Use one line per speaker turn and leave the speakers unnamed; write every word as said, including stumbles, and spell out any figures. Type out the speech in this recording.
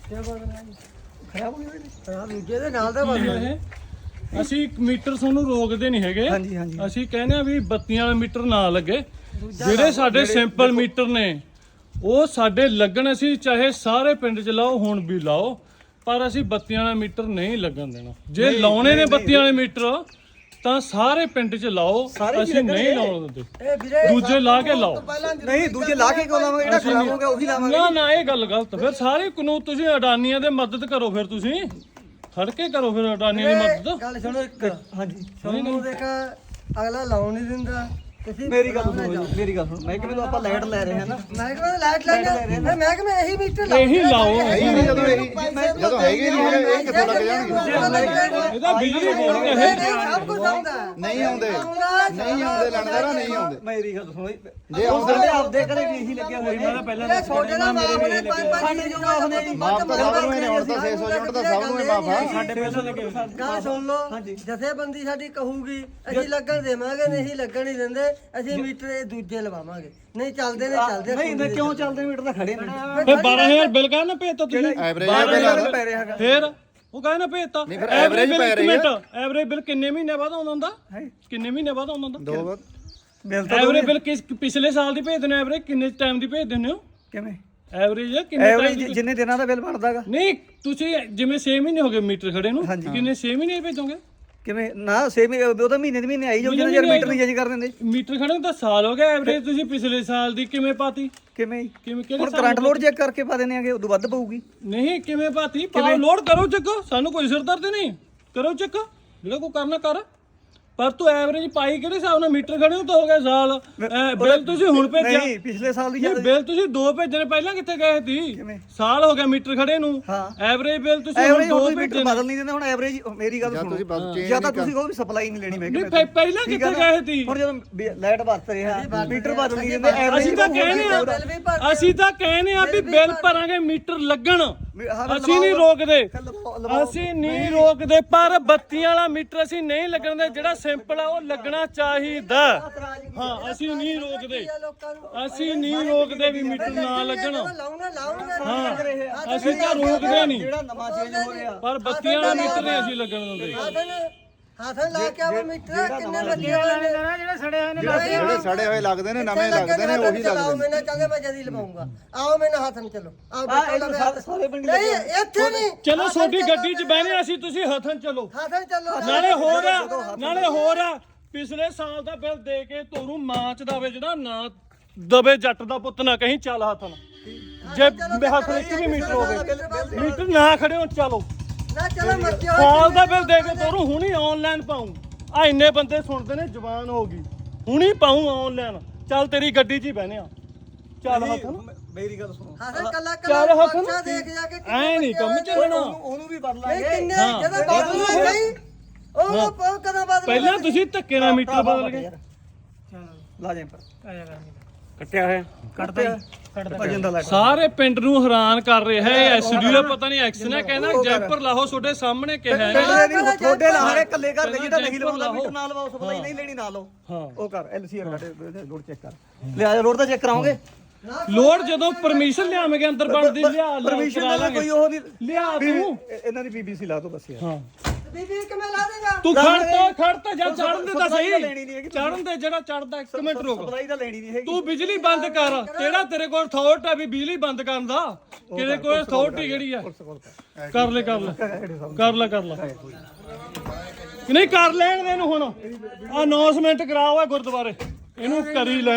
ਖਰਾਬ ਹੋ ਗਿਆ ਦੂਜੇ ਦੇ ਨਾਲ ਦਾ ਬਸ।
ਅਸੀਂ ਮੀਟਰ ਤੁਹਾਨੂੰ ਰੋਕਦੇ ਨਹੀਂ ਹੈਗੇ।
ਹਾਂਜੀ ਹਾਂਜੀ
ਅਸੀਂ ਕਹਿੰਦੇ ਆ ਵੀ ਬੱਤੀਆਂ ਵਾਲੇ ਮੀਟਰ ਨਾ ਲੱਗੇ। ਜਿਹੜੇ ਸਾਡੇ ਸਿੰਪਲ ਮੀਟਰ ਨੇ ਉਹ ਸਾਡੇ ਲੱਗਣ। ਅਸੀਂ ਚਾਹੇ ਸਾਰੇ ਪਿੰਡ 'ਚ ਲਾਓ, ਹੁਣ ਵੀ ਲਾਓ, ਪਰ ਅਸੀਂ ਬੱਤੀਆਂ ਵਾਲਾ ਮੀਟਰ ਨਹੀਂ ਲੱਗਣ ਦੇਣਾ। ਜੇ ਲਾਉਣੇ ਨੇ ਬੱਤੀਆਂ ਵਾਲੇ ਮੀਟਰ ਤਾਂ ਸਾਰੇ ਪਿੰਡ 'ਚ ਲਾਓ, ਅਸੀਂ ਨਹੀਂ ਲਾਉਣ ਦਿੰਦੇ। ਦੂਜੇ ਲਾ ਕੇ ਲਾਓ।
ਨਹੀਂ ਦੂਜੇ ਲਾ ਕੇ ਕਿਉਂ ਲਾਵਾਂਗੇ? ਜਿਹੜਾ ਖਰਾਬ ਹੋ ਗਿਆ ਉਹੀ ਲਾਵਾਂਗੇ।
ਨਾ ਨਾ ਇਹ ਗੱਲ ਗਲਤ। ਫਿਰ ਸਾਰੇ ਕਾਨੂੰਨ ਤੁਸੀਂ ਅਡਾਨੀਆਂ ਦੇ ਮਦਦ ਕਰੋ। ਫਿਰ ਤੁਸੀਂ ਖੜ ਕੇ ਕਰੋ ਫਿਰ ਅਡਾਨੀਆਂ ਦੀ ਮਦਦ।
ਗੱਲ ਸੁਣੋ ਇੱਕ। ਹਾਂਜੀ ਤੁਹਾਨੂੰ ਦੇਖ ਅਗਲਾ ਲਾਉਣ ਨਹੀਂ ਦਿੰਦਾ। ਮੇਰੀ ਗੱਲ ਸੁਣੋ ਮੇਰੀ ਗੱਲ ਸੁਣੋ। ਮੈਂ ਕਿਵੇਂ ਤੋਂ ਆਪਾਂ ਲਾਈਟ ਲੈ ਰਹੇ ਹਾਂ ਨਾ। ਮੈਂ ਕਿਵੇਂ ਲਾਈਟ ਲੈ ਰਹੇ ਹਾਂ। ਮੈਂ ਕਿਵੇਂ ਇਹੀ ਮੀਟਰ ਲਾਓ।
ਇਹੀ ਲਾਓ।
ਜਦੋਂ ਇਹੀ ਜਦੋਂ ਹੈਗੇ ਨਹੀਂ ਹੈਗੇ ਇਹ ਕਿੱਥੋਂ ਲੱਗ ਜਾਣਗੇ?
ਇਹਦਾ ਬਿਜਲੀ ਬੋਰਡ ਕਹੇ
ਸਭ ਕੁਝ ਆਉਂਦਾ
ਨਹੀਂ ਆਉਂਦੇ ਨਹੀਂ ਆਉਂਦੇ ਲੈਣਦਾਰਾ ਨਹੀਂ ਆਉਂਦੇ।
ਮੇਰੀ ਗੱਲ ਸੁਣੋ
ਜੇ ਆਉਂਦੇ
ਤੇ ਆਪਦੇ ਘਰੇ ਵੀ ਇਹੀ ਲੱਗਿਆ ਹੋਇਆ। ਮੈਂ ਪਹਿਲਾਂ ਛੋਟੇ ਦਾ ਮੇਰੇ ਵੀ ਇਹੀ ਲੱਗਿਆ। ਸਾਡੇ ਜੋ ਮਾਫ ਨੇ ਜੀ
ਮਾਫ ਤਾਂ ਸਭ ਨੂੰ ਹੀ ਨੇ। ਹੁਣ ਤਾਂ ਛੇ ਸੌ ਯੂਨਿਟ ਦਾ ਸਭ ਨੂੰ ਹੀ ਮਾਫ ਆ।
ਸਾਡੇ ਪਹਿਲਾਂ ਲੱਗੇ। ਗੱਲ ਸੁਣ ਲਓ। ਜਥੇਬੰਦੀ ਸਾਡੀ ਕਹੂਗੀ ਅਸੀਂ ਲੱਗਣ ਦੇਵਾਂਗੇ, ਨਹੀਂ ਲੱਗਣ ਨਹੀਂ ਦਿੰਦੇ। ਅਸੀਂ ਮੀਟਰ ਇਹ ਦੂਜੇ ਲਵਾਵਾਂਗੇ। ਨਹੀਂ ਚੱਲਦੇ ਨੇ ਚੱਲਦੇ। ਨਹੀਂ ਨਹੀਂ ਕਿਉਂ ਚੱਲਦੇ? ਮੀਟਰ ਤਾਂ ਖੜੇ ਨੇ।
ਫਿਰ ਬਾਰਾਂ ਹਜ਼ਾਰ ਬਿੱਲ ਕਹਿ ਨਾ ਭੇਜਤਾ ਤੁਸੀਂ।
ਐਵਰੇਜ
ਪੈ ਰਿਹਾ ਹੈਗਾ।
ਫਿਰ ਉਹ ਕਹਿ ਨਾ ਭੇਜਤਾ। ਐਵਰੇਜ ਪੈ ਰਹੀ ਹੈ। ਐਵਰੇਜ ਬਿੱਲ ਕਿੰਨੇ ਮਹੀਨੇ ਬਾਅਦ ਆਉਂਦਾ ਹੁੰਦਾ? ਕਿੰਨੇ ਮਹੀਨੇ ਬਾਅਦ ਆਉਂਦਾ ਹੁੰਦਾ?
ਦੋ ਵਾਰ
ਬਿੱਲ ਤਾਂ
ਐਵਰੇਜ ਬਿੱਲ ਕਿਸ ਪਿਛਲੇ ਸਾਲ ਦੀ ਭੇਜ ਦਿੰਦੇ ਹੋ? ਐਵਰੇਜ ਕਿੰਨੇ ਟਾਈਮ ਦੀ ਭੇਜ ਦਿੰਦੇ ਹੋ?
ਕਿਵੇਂ
ਐਵਰੇਜ ਕਿੰਨੇ ਟਾਈਮ
ਐਵਰੇਜ ਜਿੰਨੇ ਦਿਨਾਂ ਦਾ ਬਿੱਲ ਬਣਦਾਗਾ?
ਨਹੀਂ ਤੁਸੀਂ ਜਿਵੇਂ ਛੇ ਮਹੀਨੇ ਹੋ ਗਏ ਮੀਟਰ ਖੜੇ ਨੂੰ, ਕਿੰਨੇ ਛੇ ਮਹੀਨੇ ਭੇਜੋਗੇ?
ਕਿਵੇਂ ਨਾ ਸੇਮ ਉਹਦਾ ਮਹੀਨੇ ਦੇ ਮਹੀਨੇ ਆਈ ਜਾਊ। ਜਦੋਂ ਯਾਰ ਮੀਟਰ ਨਹੀਂ ਚੇਂਜ ਕਰ ਦਿੰਦੇ।
ਮੀਟਰ ਖੜੇ ਨੂੰ ਤਾਂ ਸਾਲ ਹੋ ਗਿਆ। ਐਵਰੇਜ ਤੁਸੀਂ ਪਿਛਲੇ ਸਾਲ ਦੀ ਕਿਵੇਂ ਪਾਤੀ?
ਕਿਵੇਂ
ਕਿਵੇਂ
ਹੁਣ ਕਰੰਟ ਲੋਡ ਚੈੱਕ ਕਰਕੇ ਪਾ ਦਿੰਦੇ ਆਗੇ, ਉਦੋਂ ਵੱਧ ਪਊਗੀ।
ਨਹੀਂ ਕਿਵੇਂ ਪਾਤੀ? ਪਾਓ ਲੋਡ ਕਰੋ ਚੈੱਕ। ਸਾਨੂੰ ਕੋਈ ਸਿਰ ਦਰਦ ਨਹੀਂ। ਕਰੋ ਚੈੱਕ ਜਿਹੜਾ ਕੋਈ ਕਰਨਾ ਕਰ। ਪਰ ਤੂੰ ਐਵਰੇਜ ਪਾਈ ਕਿਹੜੇ ਹਿਸਾਬ ਨਾਲ? ਮੀਟਰ ਖੜੇ ਨੂੰ ਤਾਂ ਹੋ ਗਿਆ ਸਾਲ। ਬਿੱਲ ਤੁਸੀਂ ਹੁਣ ਭੇਜਿਆ।
ਨਹੀਂ ਪਿਛਲੇ ਸਾਲ ਦੀ
ਬਿੱਲ ਤੁਸੀਂ ਦੋ ਭੇਜਣੇ ਪਹਿਲਾਂ ਕਿੱਥੇ ਗਏ ਸੀ? ਸਾਲ ਹੋ ਗਿਆ ਮੀਟਰ ਖੜੇ ਨੂੰ। ਐਵਰੇਜ ਬਿੱਲ ਤੁਸੀਂ ਹੁਣ ਦੋ ਭੇਜਣੇ।
ਬਦਲ ਨਹੀਂ ਦਿੰਦੇ ਹੁਣ ਐਵਰੇਜ। ਮੇਰੀ ਗੱਲ ਸੁਣੋ, ਜਾਂ ਤਾਂ ਤੁਸੀਂ ਕਹੋ ਵੀ ਸਪਲਾਈ ਨਹੀਂ ਲੈਣੀ। ਮੈਂ
ਨਹੀਂ ਪਹਿਲਾਂ ਕਿੱਥੇ ਗਏ ਸੀ?
ਹੁਣ ਜਦੋਂ ਲਾਈਟ ਵਰਤ ਰਿਹਾ ਮੀਟਰ ਬਦਲ ਨਹੀਂ ਦਿੰਦੇ। ਐਵਰੇਜ
ਅਸੀਂ ਤਾਂ ਕਹਿੰਦੇ ਆ ਅਸੀਂ ਤਾਂ ਕਹਿੰਦੇ ਆ ਵੀ ਬਿੱਲ ਭਰਾਂਗੇ, ਮੀਟਰ ਲੱਗਣ। ਅਸੀਂ ਨਹੀਂ ਰੋਕਦੇ, ਅਸੀਂ ਨਹੀਂ ਰੋਕਦੇ, ਪਰ ਬੱਤੀਆਂ ਵਾਲਾ ਮੀਟਰ ਅਸੀਂ ਨਹੀਂ ਲੱਗਣ ਦੇ। ਜਿਹੜਾ ਸਿੰਪਲ ਆ ਉਹ ਲੱਗਣਾ ਚਾਹੀਦਾ। ਹਾਂ ਅਸੀਂ ਨਹੀਂ ਰੋਕਦੇ, ਅਸੀਂ ਨਹੀਂ ਰੋਕਦੇ ਵੀ ਮੀਟਰ ਨਾ ਲੱਗਣ। ਹਾਂ ਅਸੀਂ ਤਾਂ ਰੋਕਦੇ ਨਹੀਂ,
ਜਿਹੜਾ ਨਵਾਂ ਚੇਂਜ ਹੋ ਰਿਹਾ
ਪਰ ਬੱਤੀਆਂ ਵਾਲਾ ਮੀਟਰ ਨਹੀਂ ਅਸੀਂ ਲੱਗਣ ਦਿੰਦੇ।
ਹੱਥ ਲਾ ਕੇ ਆ ਮੀਟਰ ਕਿੰਨੇ ਲੱਗੇ ਹੋਏ ਨੇ? ਜਿਹੜੇ ਸੜੇ ਹੋਏ ਨੇ
ਜਿਹੜੇ ਸੜੇ ਹੋਏ ਲੱਗਦੇ ਨੇ, ਨਵੇਂ ਲੱਗਦੇ ਨੇ, ਉਹੀ ਲੱਗਦੇ ਨੇ।
ਮੈਂ ਕਹਿੰਦਾ ਮੈਂ ਜਦੀ ਲਵਾਉਂਗਾ। ਆਓ ਮੈਨੂੰ ਹੱਥ ਨੂੰ ਚਲੋ। ਆਓ ਸਾਰੇ ਪਿੰਡ ਨਹੀਂ ਇੱਥੇ ਨਹੀਂ।
ਚਲੋ ਛੋਟੀ ਗੱਡੀ 'ਚ ਬਹਿਨੇ ਅਸੀਂ, ਤੁਸੀਂ ਹੱਥਨ ਚਲੋ।
ਹੱਥਨ ਚਲੋ।
ਨਾਲੇ ਹੋਰ ਆ ਨਾਲੇ ਹੋਰ ਆ ਪਿਛਲੇ ਸਾਲ ਦਾ ਬਿੱਲ ਦੇ ਕੇ ਤੋਰੂ ਮਾਂ ਚ ਦਵੇ। ਜਿਹੜਾ ਨਾ ਦਵੇ ਜੱਟ ਦਾ ਪੁੱਤ ਨਾ ਕਹੀਂ ਚੱਲ ਹੱਥਨ। ਜੇ ਹੱਥ ਵਿੱਚ ਵੀ ਮੀਟਰ ਹੋਵੇ, ਮੀਟਰ ਨਾ ਖੜੇ ਹੋ ਚਲੋ
ਨਾ ਚਲੋ ਮੱਚੇ ਹੋਏ।
ਸਾਲ ਦਾ ਬਿੱਲ ਦੇ ਕੇ ਤੋਰੂ ਹੁਣੀ ਆਨਲਾਈਨ ਪਾਉਂ। ਆ ਇੰਨੇ ਬੰਦੇ ਸੁਣਦੇ ਨੇ, ਜਵਾਨ ਹੋ ਗਈ, ਹੁਣੀ ਪਾਉਂ ਆਨਲਾਈਨ। ਚੱਲ ਤੇਰੀ ਗੱਡੀ 'ਚ ਹੀ ਬਹਿਨੇ ਆ। ਚੱਲ ਹੱਥਨ।
ਮੇਰੀ ਗੱਲ ਸੁਣੋ।
ਚੱਲ ਹੱਥਨ। ਐ ਨਹੀਂ ਕੰਮ ਚੱਲਣਾ।
ਉਹਨੂੰ ਵੀ ਬਦਲਾਂਗੇ।
ਕਿੰਨੇ
ਜਦੋਂ ਬਦਲੂ ਨਹੀਂ ਉਹ ਕਦੋਂ ਬਦਲੂ?
ਪਹਿਲਾਂ ਤੁਸੀਂ ਧੱਕੇ ਨਾਲ ਮੀਟਰ ਬਦਲ ਗਏ।
ਲਾ ਜੇ ਪਰ
ਕੱਟਿਆ ਹੈ
ਕੱਟਦਾ ਕੱਟਦਾ
ਸਾਰੇ ਪਿੰਡ ਨੂੰ ਹੈਰਾਨ ਕਰ ਰਿਹਾ ਹੈ। ਐਸਡੀ ਦਾ ਪਤਾ ਨਹੀਂ ਐਕਸ ਨੇ ਕਹਿੰਦਾ ਜੈਪਰ ਲਾਹੋ ਤੁਹਾਡੇ ਸਾਹਮਣੇ ਕਿਹਾ ਹੈ।
ਤੁਹਾਡੇ ਲਾਹੇ ਕੱਲੇ ਘਰ ਦੇ ਜਿਹੜਾ ਨਹੀਂ ਲਵਾਉਂਦਾ ਮੀਟਰ ਨਾਲ ਲਵਾਓ। ਸਪਲਾਈ ਨਹੀਂ ਲੈਣੀ ਨਾ ਲਓ। ਹਾਂ ਉਹ ਕਰ ਐਲਸੀਆਰ ਕੱਢ ਲੋਡ ਚੈੱਕ ਕਰ। ਲਿਆ ਲੋਡ ਤਾਂ ਚੈੱਕ ਕਰਾਉਂਗੇ।
ਲੋਡ ਜਦੋਂ ਪਰਮਿਸ਼ਨ ਲਿਆਵਾਂਗੇ ਅੰਦਰ ਬਣਦੀ ਲਿਆ
ਪਰਮਿਸ਼ਨ ਦਾ ਕੋਈ ਉਹ ਨਹੀਂ
ਲਿਆ ਤੂੰ
ਇਹਨਾਂ ਦੀ ਬੀਬੀਸੀ ਲਾ ਦੋ ਬਸ ਯਾਰ।
ਹਾਂ
ਬੀਬੀ ਕਿਵੇਂ ਲਾ ਦੇਗਾ?
ਤੂੰ ਖੜਤਾ ਖੜਤਾ ਜਾਂ ਚੜਨ ਦੇ ਤਾਂ ਸਹੀ। ਚੜਨ ਦੇ ਜਿਹੜਾ ਚੜਦਾ ਇੱਕ ਮਿੰਟ ਰੁਕ।
ਸਪਲਾਈ ਤਾਂ ਲੈਣੀ ਨਹੀਂ ਹੈਗੀ।
ਤੂੰ ਬਿਜਲੀ ਬੰਦ ਕਰ। ਕਿਹੜਾ ਤੇਰੇ ਕੋਲ ਅਥਾਰਟੀ ਆ ਵੀ ਬਿਜਲੀ ਬੰਦ ਕਰਨ ਦਾ? ਕਿਹਦੇ ਕੋਲ ਅਥਾਰਟੀ ਕਿਹੜੀ ਆ? ਕਰ ਲੈ ਕਰ ਲੈ ਕਰ ਲੈ ਕਰ ਲੈ ਨਹੀਂ ਕਰ ਲੈਣ ਦੇ ਇਹਨੂੰ। ਹੁਣ ਅਨਾਉਂਸਮੈਂਟ ਕਰਾਓ ਗੁਰਦੁਆਰੇ, ਇਹਨੂੰ ਕਰੀ ਲੈ।